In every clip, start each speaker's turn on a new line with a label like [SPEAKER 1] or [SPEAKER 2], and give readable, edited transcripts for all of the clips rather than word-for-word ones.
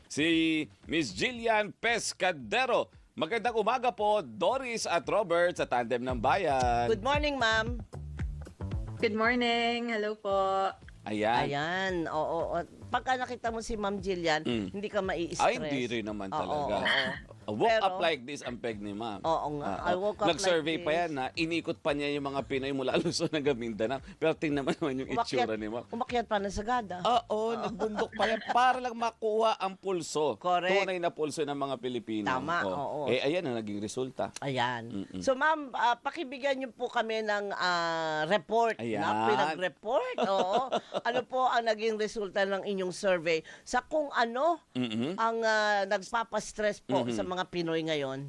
[SPEAKER 1] si Miss Jillian Pescadero. Magandang umaga po, Doris at Robert sa Tandem ng Bayan.
[SPEAKER 2] Good morning, ma'am.
[SPEAKER 3] Good morning. Hello po.
[SPEAKER 1] Ayan.
[SPEAKER 2] Ayan, oo. Pagka nakita mo si Ma'am Jillian, hindi ka mai-stress.
[SPEAKER 1] Ay, hindi rin naman talaga. Woke
[SPEAKER 2] Pero-
[SPEAKER 1] up like this ang peg ni ma'am.
[SPEAKER 2] Oo nga, I woke up
[SPEAKER 1] Nag-survey
[SPEAKER 2] like
[SPEAKER 1] pa
[SPEAKER 2] this.
[SPEAKER 1] yan na inikot pa niya yung mga Pinoy mula Luzon hanggang Mindanao. Pero tingnan naman yung itsura ni ma'am.
[SPEAKER 2] Umakyat pa ng Sagada.
[SPEAKER 1] Oo, nagbundok pa yan para lang makuha ang pulso.
[SPEAKER 2] Correct.
[SPEAKER 1] Tunay na pulso ng mga Pilipino.
[SPEAKER 2] Tama, oo.
[SPEAKER 1] Eh, ayan ang naging resulta.
[SPEAKER 2] Ayan. So ma'am, pakibigyan niyo po kami ng report.
[SPEAKER 1] Ayan.
[SPEAKER 2] Na pinag-report. Oo. Ano po ang naging resulta ng inyong survey sa kung ano ang nagpapastress po sa mga Pinoy ngayon?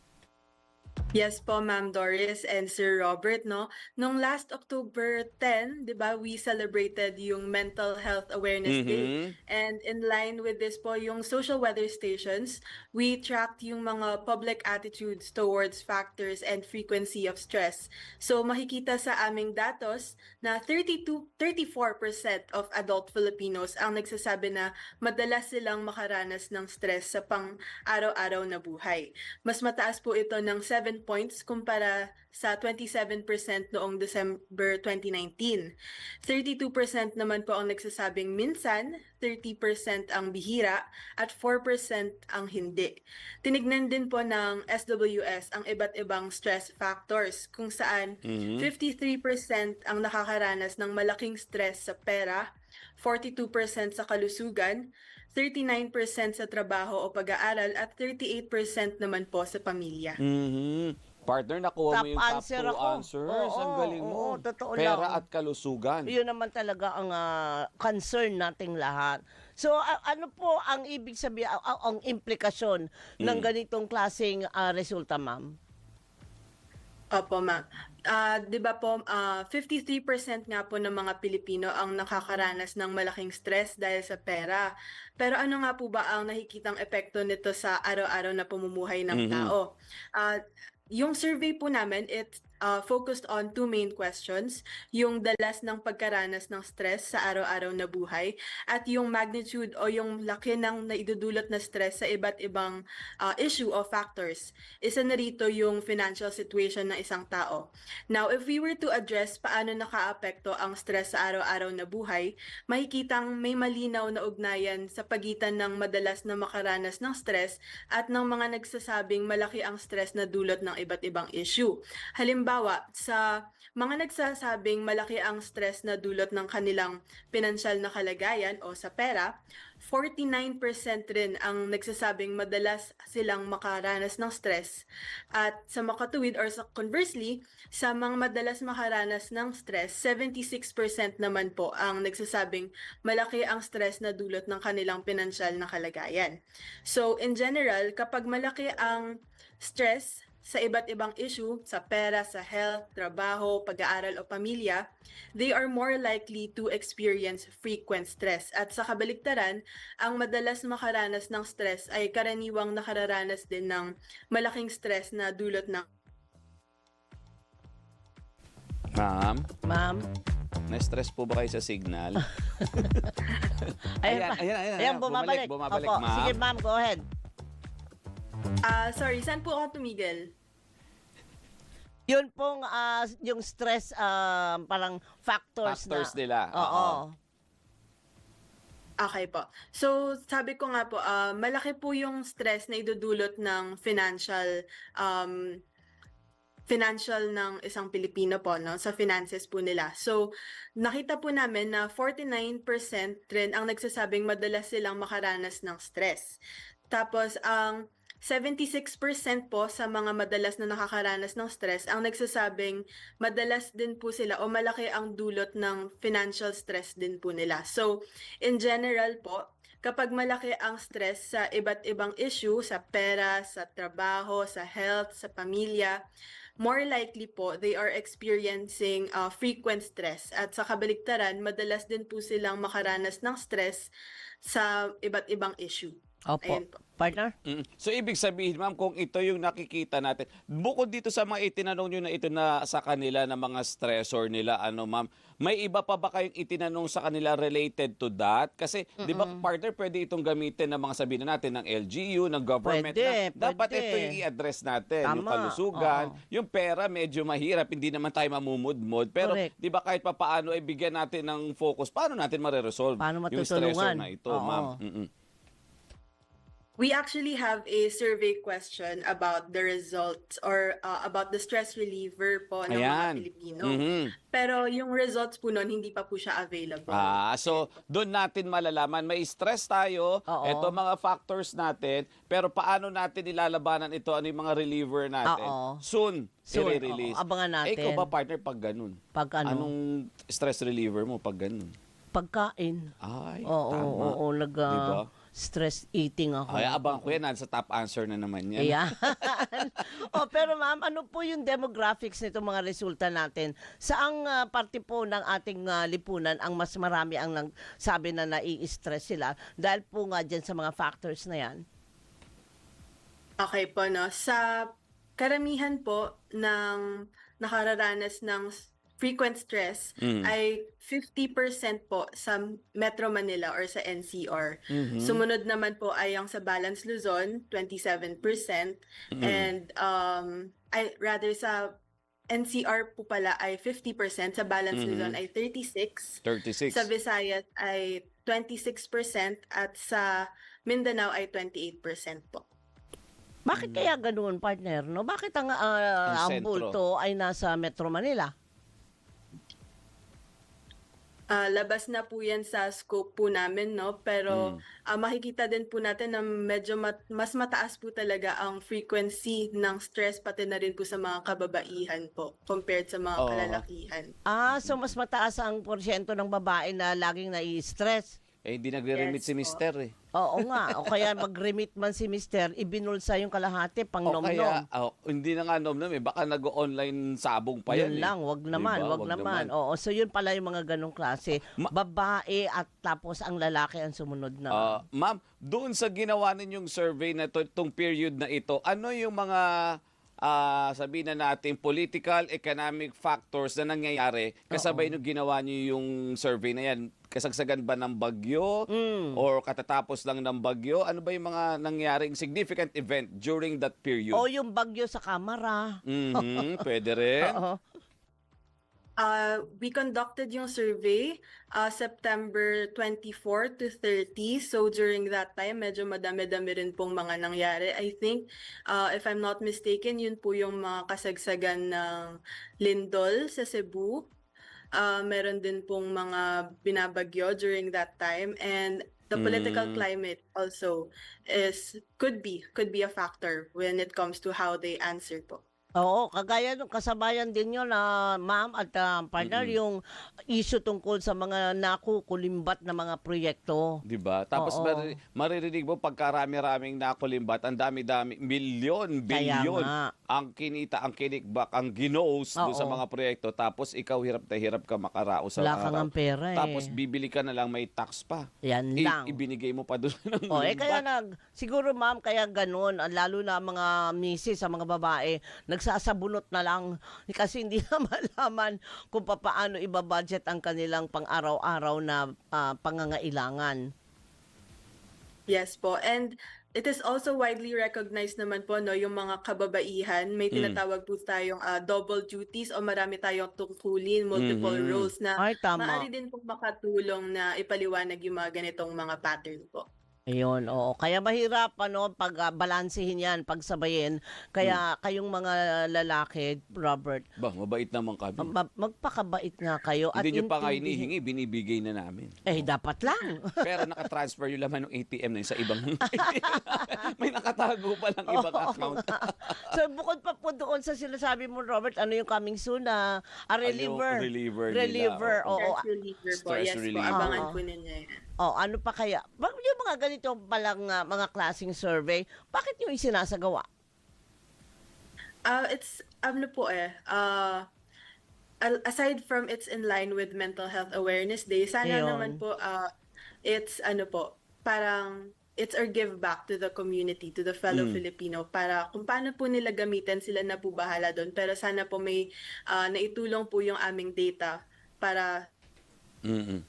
[SPEAKER 3] Yes po, Ma'am Doris and Sir Robert, no? Nung last October 10, 'di ba, we celebrated yung Mental Health Awareness Day. And in line with this po, yung social weather stations, we tracked yung mga public attitudes towards factors and frequency of stress. So makikita sa aming datos na 34% of adult Filipinos ang nagsasabi na madalas silang makaranas ng stress sa pang-araw-araw na buhay. Mas mataas po ito ng 7 points kumpara sa 27% noong December 2019. 32% naman po ang nagsasabing minsan, 30% ang bihira, at 4% ang hindi. Tinignan din po ng SWS ang iba't ibang stress factors kung saan 53% ang nakakaranas ng malaking stress sa pera, 42% sa kalusugan, 39% sa trabaho o pag-aaral, at 38% naman po sa pamilya.
[SPEAKER 1] Partner, nakuha mo
[SPEAKER 2] Top
[SPEAKER 1] yung top
[SPEAKER 2] answer
[SPEAKER 1] 2
[SPEAKER 2] ako.
[SPEAKER 1] answers. Ang galing mo.
[SPEAKER 2] Oo, totoo
[SPEAKER 1] Pera
[SPEAKER 2] lang.
[SPEAKER 1] at kalusugan.
[SPEAKER 2] Yun naman talaga ang concern nating lahat. So ano po ang ibig sabihin, ang implikasyon ng ganitong klaseng resulta, ma'am?
[SPEAKER 3] Opo, ma'am. 'Di ba po, 53% nga po ng mga Pilipino ang nakakaranas ng malaking stress dahil sa pera. Pero ano nga po ba ang nakikitang epekto nito sa araw-araw na pamumuhay ng tao? Yung survey po namin, it focused on two main questions, yung dalas ng pagkaranas ng stress sa araw-araw na buhay at yung magnitude o yung laki ng naidudulot na stress sa iba't ibang issue o factors. Isa na rito yung financial situation ng isang tao. Now, if we were to address paano nakaapekto ang stress sa araw-araw na buhay, makikitang may malinaw na ugnayan sa pagitan ng madalas na makaranas ng stress at ng mga nagsasabing malaki ang stress na dulot ng iba't ibang issue. Halimbawa, sa mga nagsasabing malaki ang stress na dulot ng kanilang pinansyal na kalagayan o sa pera, 49% rin ang nagsasabing madalas silang makaranas ng stress. At sa makatuwid or sa conversely, sa mga madalas makaranas ng stress, 76% naman po ang nagsasabing malaki ang stress na dulot ng kanilang pinansyal na kalagayan. So in general, kapag malaki ang stress sa iba't ibang issue, sa pera, sa health, trabaho, pag-aaral o pamilya, they are more likely to experience frequent stress. At sa kabaligtaran, ang madalas makaranas ng stress ay karaniwang nakararanas din ng malaking stress na dulot ng
[SPEAKER 1] Ma'am,
[SPEAKER 2] Ma'am?
[SPEAKER 1] na-stress po ba kayo sa signal?
[SPEAKER 2] Ayan, bumabalik.
[SPEAKER 1] Bumabalik,
[SPEAKER 2] Opo.
[SPEAKER 1] ma'am.
[SPEAKER 2] Sige, ma'am, go ahead.
[SPEAKER 3] sorry, saan po ako tumigil?
[SPEAKER 2] Yun pong yung stress parang factors
[SPEAKER 1] nila.
[SPEAKER 2] Oo.
[SPEAKER 3] Okay po. So, sabi ko nga po, malaki po yung stress na idudulot ng financial ng isang Pilipino po, no, sa finances po nila. So, nakita po namin na 49% rin ang nagsasabing madalas silang makaranas ng stress. Tapos, ang 76% po sa mga madalas na nakakaranas ng stress ang nagsasabing madalas din po sila o malaki ang dulot ng financial stress din po nila. So, in general po, kapag malaki ang stress sa iba't ibang issue, sa pera, sa trabaho, sa health, sa pamilya, more likely po they are experiencing frequent stress. At sa kabaligtaran, madalas din po silang makaranas ng stress sa iba't ibang issue.
[SPEAKER 2] Opo.
[SPEAKER 3] Ayun po.
[SPEAKER 2] Partner?
[SPEAKER 1] So ibig sabihin, ma'am, kung ito yung nakikita natin, bukod dito sa mga itinanong nyo na ito na sa kanila na mga stressor nila, ano ma'am, may iba pa ba kayong itinanong sa kanila related to that? Kasi, di ba, partner, pwede itong gamitin ng mga sabihin na natin ng LGU, ng government.
[SPEAKER 2] Pwede,
[SPEAKER 1] na dapat
[SPEAKER 2] pwede.
[SPEAKER 1] ito yung i-address natin. Yung
[SPEAKER 2] Tama,
[SPEAKER 1] kalusugan,
[SPEAKER 2] oo.
[SPEAKER 1] yung pera medyo mahirap, hindi naman tayo mamumudmod. Pero,
[SPEAKER 2] Correct.
[SPEAKER 1] di ba, kahit pa paano, ay bigyan natin ng focus, paano natin mareresolve
[SPEAKER 2] Paano
[SPEAKER 1] yung stressor
[SPEAKER 2] matutulungan?
[SPEAKER 1] na ito,
[SPEAKER 2] Oo.
[SPEAKER 1] ma'am?
[SPEAKER 3] We actually have a survey question about the results or about the stress reliever po ng mga
[SPEAKER 1] Ayan.
[SPEAKER 3] Pilipino.
[SPEAKER 1] Mhm.
[SPEAKER 3] Pero yung results po nun, hindi pa po siya available.
[SPEAKER 1] So doon natin malalaman, may stress tayo,
[SPEAKER 2] Oo.
[SPEAKER 1] ito mga factors natin, pero paano natin ilalabanan ito, ano yung mga reliever natin?
[SPEAKER 2] Oo.
[SPEAKER 1] Soon,
[SPEAKER 2] Soon,
[SPEAKER 1] i-release.
[SPEAKER 2] oo. Abangan natin.
[SPEAKER 1] Ikaw ba, partner, pag ganun?
[SPEAKER 2] Pag ano?
[SPEAKER 1] Anong stress reliever mo pag ganun?
[SPEAKER 2] Pagkain.
[SPEAKER 1] Ay,
[SPEAKER 2] Oo,
[SPEAKER 1] tama.
[SPEAKER 2] oo,
[SPEAKER 1] Diba?
[SPEAKER 2] stress eating ako.
[SPEAKER 1] Ay, abang ko yan, nasa top answer na naman yan.
[SPEAKER 2] Ayan. Pero ma'am, ano po yung demographics nito mga resulta natin? Saang parte po ng ating lipunan ang mas marami ang sabi na nai-stress sila dahil po nga dyan sa mga factors na yan?
[SPEAKER 3] Okay po, no? Sa karamihan po ng nakararanas ng frequent stress ay 50% po sa Metro Manila or sa NCR. Sumunod naman po ay ang sa Balance Luzon, 27%. And sa NCR po pala ay 50%, sa Balance Luzon ay 36%.
[SPEAKER 1] 36.
[SPEAKER 3] Sa Visayas ay 26% at sa Mindanao ay 28% po.
[SPEAKER 2] Bakit kaya ganoon, partner? No? Bakit ang
[SPEAKER 1] sentro.
[SPEAKER 2] bulto ay nasa Metro Manila?
[SPEAKER 3] Labas na po yan sa scope po namin, no? Pero makikita din po natin na medyo mas mataas po talaga ang frequency ng stress pati na rin po sa mga kababaihan po compared sa mga
[SPEAKER 1] Oo.
[SPEAKER 3] kalalakihan.
[SPEAKER 2] So mas mataas ang porsyento ng babae na laging nai-stress.
[SPEAKER 1] Hindi nagre-remit
[SPEAKER 3] Yes,
[SPEAKER 1] si
[SPEAKER 3] po.
[SPEAKER 1] mister eh.
[SPEAKER 2] Oo nga. O kaya mag-remit man si mister, ibinulsa yung kalahati pang
[SPEAKER 1] O kaya,
[SPEAKER 2] nom-nom.
[SPEAKER 1] hindi na nga nom-nom eh. Baka nag-online sabong pa yan
[SPEAKER 2] Yun
[SPEAKER 1] eh.
[SPEAKER 2] lang, wag naman,
[SPEAKER 1] Diba?
[SPEAKER 2] wag naman. Oo, so yun pala yung mga ganong klase.
[SPEAKER 1] Ma-
[SPEAKER 2] Babae at tapos ang lalaki ang sumunod na.
[SPEAKER 1] Ma'am, doon sa ginawa ninyong survey na to, itong period na ito, ano yung mga sabihin na natin political, economic factors na nangyayari kasabay nung ginawa niyo yung survey na yan? Kasagsagan ba ng bagyo or katatapos lang ng bagyo? Ano ba yung mga nangyaring significant event during that period?
[SPEAKER 2] O yung bagyo sa kamara.
[SPEAKER 1] Pwede rin.
[SPEAKER 2] Oo.
[SPEAKER 3] We conducted yung survey September 24 to 30. So during that time, medyo madami-dami rin pong mga nangyari. I think, if I'm not mistaken, yun po yung mga kasagsagan ng lindol sa Cebu. Meron din pong mga binabagyo during that time. And the political climate also could be a factor when it comes to how they answer po.
[SPEAKER 2] Oo, kagaya nung kasabayan din yun na ma'am at partner yung issue tungkol sa mga nakukulimbat na mga proyekto.
[SPEAKER 1] Diba? Tapos
[SPEAKER 2] Oo.
[SPEAKER 1] maririnig mo pagkarami-raming nakulimbat, ang dami-dami, milyon,
[SPEAKER 2] Kaya
[SPEAKER 1] bilyon
[SPEAKER 2] nga.
[SPEAKER 1] ang kinita, ang kinikbak, ang ginose doon sa
[SPEAKER 2] Oo.
[SPEAKER 1] mga proyekto. Tapos ikaw hirap na hirap ka makaraos sa
[SPEAKER 2] Wala kang
[SPEAKER 1] araw.
[SPEAKER 2] ang pera eh.
[SPEAKER 1] Tapos bibili ka na lang, may tax pa.
[SPEAKER 2] Yan lang.
[SPEAKER 1] Ibinigay mo pa doon ng
[SPEAKER 2] Kaya
[SPEAKER 1] limbat.
[SPEAKER 2] siguro ma'am, kaya ganun, lalo na mga misis, sa mga babae, nagsasabunot na lang kasi hindi na malaman kung paano ibabudget ang kanilang pang-araw-araw na pangangailangan.
[SPEAKER 3] Yes po. And it is also widely recognized naman po, no, yung mga kababaihan, may tinatawag po tayong double duties o marami tayong tungkulin, multiple roles na
[SPEAKER 2] Ay, tama.
[SPEAKER 3] maaari din pong makatulong na ipaliwanag yung mga ganitong mga pattern po.
[SPEAKER 2] Ayun, oo. Kaya mahirap pag balansehin yan, pagsabayin. Kaya kayong mga lalaki, Robert,
[SPEAKER 1] Ba, mabait naman kami.
[SPEAKER 2] magpakabait nga kayo.
[SPEAKER 1] Hindi nyo pa nga
[SPEAKER 2] intindihin-
[SPEAKER 1] hinihingi, binibigay na namin.
[SPEAKER 2] dapat lang.
[SPEAKER 1] Pero nakatransfer yung laman ng ATM na yun sa ibang... May nakatago pa lang ibang account.
[SPEAKER 2] So bukod pa po doon sa sinasabi mo, Robert, ano yung coming soon na reliever?
[SPEAKER 1] Yung reliever nila,
[SPEAKER 2] Reliever,
[SPEAKER 1] oo.
[SPEAKER 2] oo.
[SPEAKER 3] Stress reliever po.
[SPEAKER 1] Stress
[SPEAKER 3] Yes
[SPEAKER 1] reliever.
[SPEAKER 3] po, abangan
[SPEAKER 2] Oo.
[SPEAKER 3] po ninyo yan.
[SPEAKER 2] Ano pa kaya? Yung mga ganito palang mga klaseng survey, bakit yung isinasagawa?
[SPEAKER 3] It's, aside from it's in line with Mental Health Awareness Day, sana
[SPEAKER 2] Ayun.
[SPEAKER 3] naman po, it's parang it's our give back to the community, to the fellow Filipino, para kung paano po nila gamitin, sila na po bahala doon. Pero sana po may naitulong po yung aming data para
[SPEAKER 1] Mm-mm.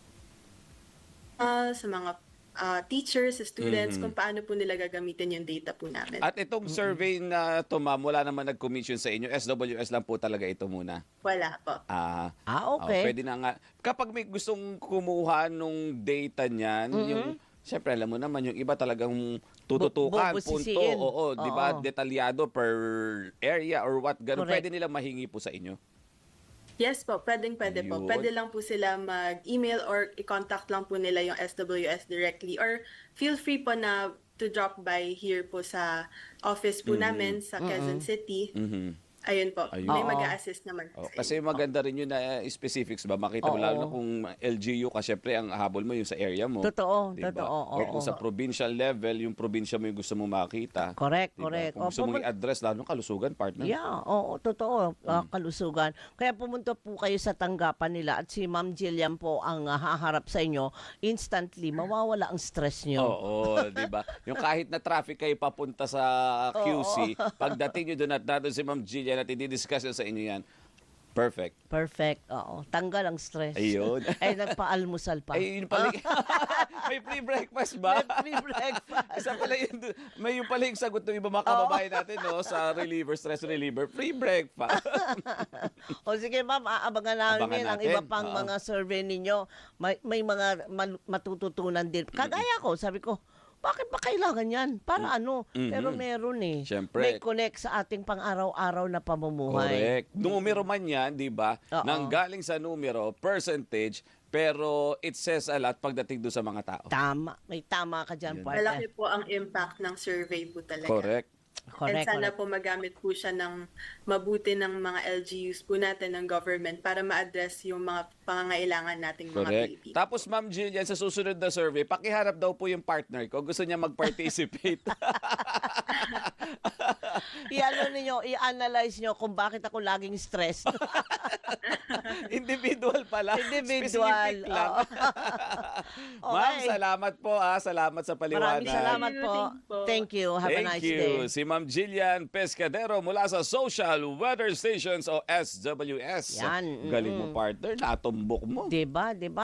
[SPEAKER 3] sa mga teachers, sa students, kung paano po nila gagamitin yung data po namin.
[SPEAKER 1] At itong survey na to, ma'am, wala naman nag-commission sa inyo. SWS lang po talaga ito muna.
[SPEAKER 3] Wala po.
[SPEAKER 2] Okay.
[SPEAKER 1] Pwede na nga. Kapag may gustong kumuha nung data niyan, yung, syempre alam mo naman, yung iba talagang tututukan, punto.
[SPEAKER 2] Bubusisiin.
[SPEAKER 1] Oo, di ba?
[SPEAKER 2] Oo.
[SPEAKER 1] Detalyado per area or what, ganun.
[SPEAKER 2] Correct.
[SPEAKER 1] Pwede nila mahingi po sa inyo.
[SPEAKER 3] Yes po, pwede po.
[SPEAKER 1] Ayun.
[SPEAKER 3] Pwede lang po sila mag-email or i-contact lang po nila yung SWS directly, or feel free po na to drop by here po sa office po namin sa Quezon City.
[SPEAKER 1] Mhm.
[SPEAKER 3] Ayun po,
[SPEAKER 1] Ayun.
[SPEAKER 3] may
[SPEAKER 2] Oo.
[SPEAKER 3] mag-a-assist naman po sa
[SPEAKER 1] Kasi
[SPEAKER 3] inyo po.
[SPEAKER 1] maganda rin yun na specifics ba? Makita mo
[SPEAKER 2] Oo.
[SPEAKER 1] lalo na kung LGU ka, syempre ang habol mo yung sa area mo.
[SPEAKER 2] Totoo,
[SPEAKER 1] Diba?
[SPEAKER 2] totoo.
[SPEAKER 1] Or kung
[SPEAKER 2] oo.
[SPEAKER 1] sa provincial level, yung probinsya mo yung gusto mo makita.
[SPEAKER 2] Correct,
[SPEAKER 1] Diba?
[SPEAKER 2] correct.
[SPEAKER 1] Kung gusto mong i-address, lalo ng kalusugan, partner.
[SPEAKER 2] Yeah, oo, totoo. Kalusugan. Kaya pumunta po kayo sa tanggapan nila at si Ma'am Jillian po ang haharap sa inyo. Instantly, mawawala ang stress nyo.
[SPEAKER 1] Oo, di ba? Yung kahit na traffic kayo papunta sa QC, pagdating nyo doon at nandun si Ma'am Jillian at i-discuss sa inyo yan, perfect.
[SPEAKER 2] Perfect. Oo. Tanggal ang stress.
[SPEAKER 1] Ayun.
[SPEAKER 2] Ay, nagpaalmusal pa.
[SPEAKER 1] Ay, yun pala. May free breakfast ba?
[SPEAKER 2] May free breakfast.
[SPEAKER 1] Isa pala yun. May yung pala yung sagot ng iba mga kababayan natin, no? Sa reliever, stress reliever, free breakfast.
[SPEAKER 2] O sige ma'am, aabangan namin
[SPEAKER 1] Abangan
[SPEAKER 2] ang iba
[SPEAKER 1] natin.
[SPEAKER 2] pang
[SPEAKER 1] Oo.
[SPEAKER 2] mga survey ninyo. May mga matututunan din. Kagaya ko, sabi ko, bakit ba kailangan yan? Para ano? Pero meron eh.
[SPEAKER 1] Siyempre.
[SPEAKER 2] May connect sa ating pang-araw-araw na pamumuhay.
[SPEAKER 1] Correct. Numero man yan, di ba?
[SPEAKER 2] Oo.
[SPEAKER 1] Nang galing sa numero, percentage, pero it says a lot pagdating doon sa mga tao.
[SPEAKER 2] Tama. May tama ka dyan,
[SPEAKER 3] Malaki
[SPEAKER 2] partner.
[SPEAKER 3] po ang impact ng survey po talaga.
[SPEAKER 1] Correct.
[SPEAKER 3] And
[SPEAKER 2] Correct,
[SPEAKER 3] sana
[SPEAKER 2] correct.
[SPEAKER 3] po magamit po siya ng mabuti ng mga LGUs po natin, ng government, para ma-address yung mga pangangailangan nating mga
[SPEAKER 1] Correct.
[SPEAKER 3] Pilipino.
[SPEAKER 1] Tapos Ma'am Jillian, sa susunod na survey, pakiharap daw po yung partner ko. Gusto niya mag-participate.
[SPEAKER 2] I-ano ninyo, i-analyze nyo kung bakit ako laging stressed.
[SPEAKER 1] Individual pala.
[SPEAKER 2] Individual.
[SPEAKER 1] Specific lang.
[SPEAKER 2] Okay.
[SPEAKER 1] Ma'am, salamat po. Salamat sa paliwanag.
[SPEAKER 2] Maraming salamat po. Thank you. Have a
[SPEAKER 1] Thank
[SPEAKER 2] nice
[SPEAKER 1] you.
[SPEAKER 2] day.
[SPEAKER 1] Si Ma'am Jillian Pescadero mula sa Social Weather Stations o SWS.
[SPEAKER 2] Yan.
[SPEAKER 1] Galing mo, partner. Natumbok mo.
[SPEAKER 2] Diba? Diba?